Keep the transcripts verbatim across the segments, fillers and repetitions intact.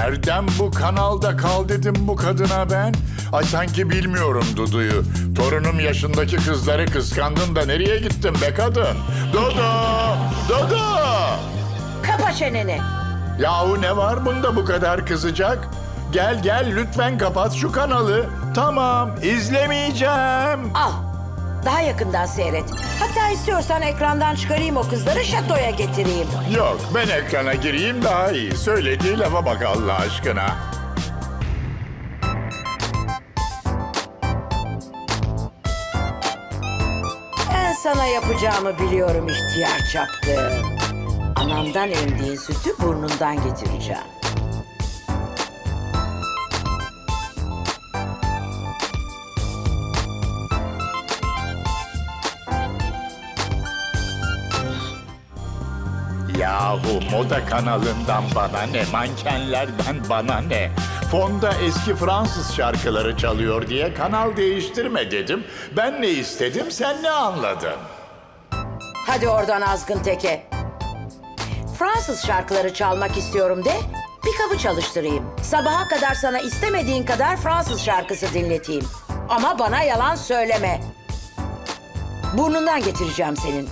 Nereden bu kanalda kal dedim bu kadına ben? Ay sanki bilmiyorum Dudu'yu. Torunum yaşındaki kızları kıskandın da nereye gittin be kadın? Dudu! Dudu! Kapa çeneni. Yahu ne var bunda bu kadar kızacak? Gel gel lütfen kapat şu kanalı. Tamam, izlemeyeceğim. Al. Daha yakından seyret. Hatta istiyorsan ekrandan çıkarayım o kızları, şatoya getireyim. Yok, ben ekrana gireyim daha iyi. Söylediği lafa bak Allah aşkına. Ben sana yapacağımı biliyorum ihtiyar çapkın. Anamdan emdiğin sütü burnundan getireceğim. Yahu moda kanalından bana ne, mankenlerden bana ne? Fonda eski Fransız şarkıları çalıyor diye kanal değiştirme dedim. Ben ne istedim, sen ne anladın? Hadi oradan azgın teke. Fransız şarkıları çalmak istiyorum de, bir kabı çalıştırayım. Sabaha kadar sana istemediğin kadar Fransız şarkısı dinleteyim. Ama bana yalan söyleme. Burnundan getireceğim senin.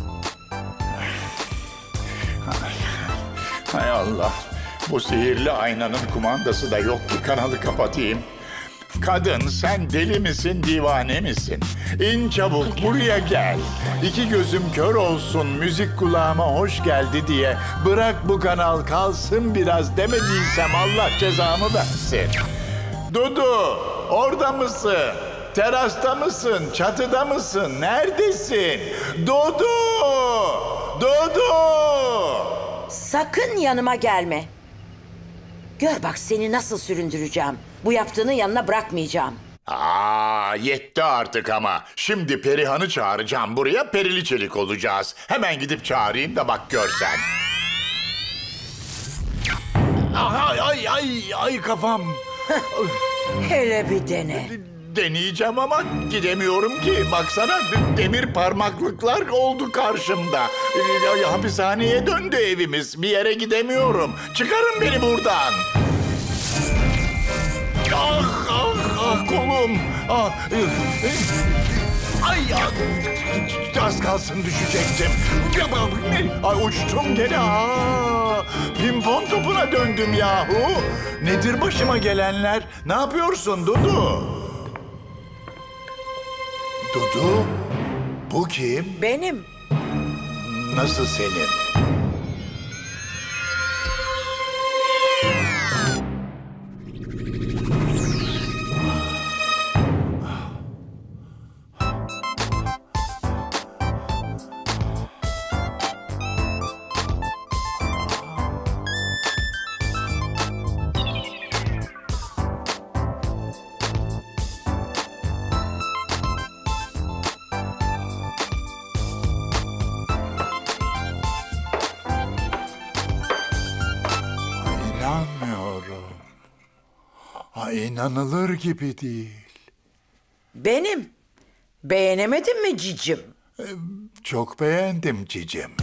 Hay Allah, bu sihirli aynanın kumandası da yok ki kanalı kapatayım. Kadın sen deli misin, divane misin? İn çabuk buraya gel. İki gözüm kör olsun, müzik kulağıma hoş geldi diye bırak bu kanal kalsın biraz demediysem Allah cezamı versin. Dudu, orada mısın? Terasta mısın? Çatıda mısın? Neredesin? Dudu! Dudu! Sakın yanıma gelme. Gör bak seni nasıl süründüreceğim. Bu yaptığını yanına bırakmayacağım. Aa, yetti artık ama. Şimdi Perihan'ı çağıracağım buraya, perili çelik olacağız. Hemen gidip çağırayım da bak görsen. Ay ay ay ay kafam. Hele bir dene. Deneyeceğim ama gidemiyorum ki. Baksana demir parmaklıklar oldu karşımda. Ee, Hapishaneye döndü evimiz. Bir yere gidemiyorum. Çıkarın beni buradan. Ah ah ah kolum. Ah. Ay ah. Az kalsın düşecektim. Ay uçtum gene. Aa, pimpon topuna döndüm yahu. Nedir başıma gelenler? Ne yapıyorsun Dudu? Dudu, bu kim? Benim. Nasıl senin? İnanmıyorum. Ha, inanılır gibi değil. Benim. Beğenemedin mi cicim? Çok beğendim cicim.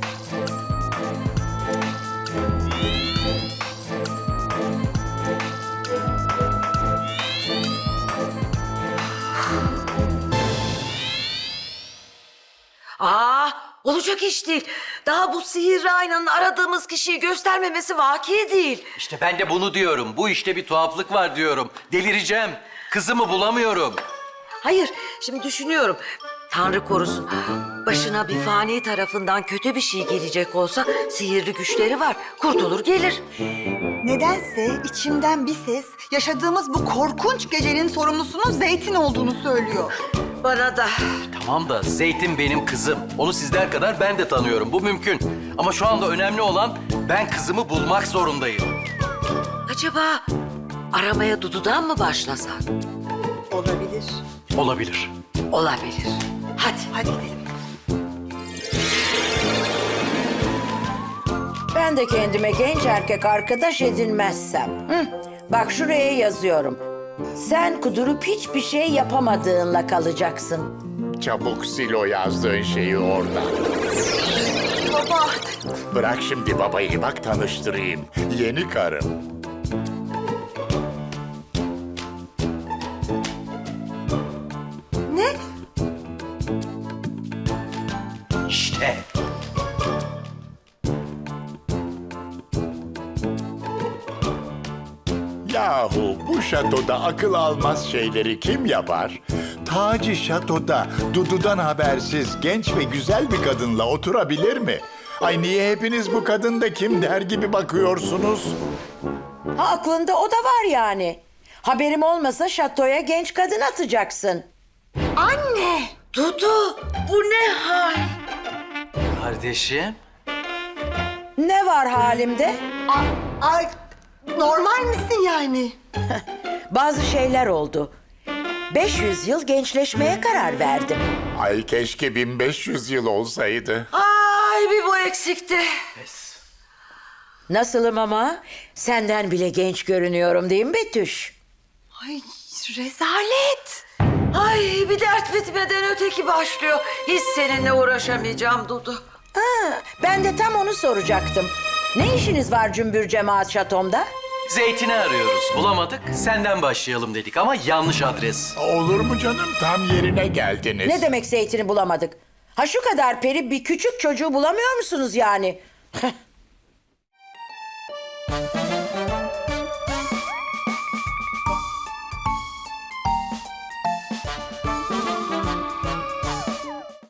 Aa, olacak iş değil. Daha bu sihirli aynanın aradığımız kişiyi göstermemesi vaki değil. İşte ben de bunu diyorum. Bu işte bir tuhaflık var diyorum. Delireceğim. Kızımı bulamıyorum. Hayır, şimdi düşünüyorum. Tanrı korusun. Başına bir fani tarafından kötü bir şey gelecek olsa sihirli güçleri var. Kurtulur gelir. Nedense içimden bir ses yaşadığımız bu korkunç gecenin sorumlusunun Zeytin olduğunu söylüyor. Bana da. Tamam da Zeytin benim kızım. Onu sizler kadar ben de tanıyorum. Bu mümkün. Ama şu anda önemli olan ben kızımı bulmak zorundayım. Acaba aramaya Dudu'dan mı başlasak? Olabilir. Olabilir. Olabilir. Hadi. Hadi gidelim. Ben de kendime genç erkek arkadaş edinmezsem. Hı, bak şuraya yazıyorum. Sen kudurup hiçbir şey yapamadığınla kalacaksın. Çabuk sil o yazdığın şeyi oradan. Baba. Bırak şimdi babayı, bak tanıştırayım. Yeni karım. İşte. Yahu bu şatoda akıl almaz şeyleri kim yapar? Taci şatoda Dudu'dan habersiz genç ve güzel bir kadınla oturabilir mi? Ay niye hepiniz bu kadın da kim der gibi bakıyorsunuz? Ha, aklında o da var yani. Haberim olmasa şatoya genç kadın atacaksın. Anne! Dudu, bu ne hal? Kardeşim. Ne var halimde? A- Ay, normal misin yani? Bazı şeyler oldu. beş yüz yıl gençleşmeye karar verdim. Ay keşke bin beş yüz yıl olsaydı. Ay bir bu eksikti. Nasılım ama? Senden bile genç görünüyorum değil mi Betüş? Ay, rezalet. Ay bir dert bitmeden öteki başlıyor. Hiç seninle uğraşamayacağım Dudu. Ha, ben de tam onu soracaktım. Ne işiniz var cümbür cemaat şatomda? Zeytin'i arıyoruz. Bulamadık. Senden başlayalım dedik ama yanlış adres. Olur mu canım, tam yerine geldiniz. Ne demek zeytini bulamadık? Ha şu kadar peri bir küçük çocuğu bulamıyor musunuz yani?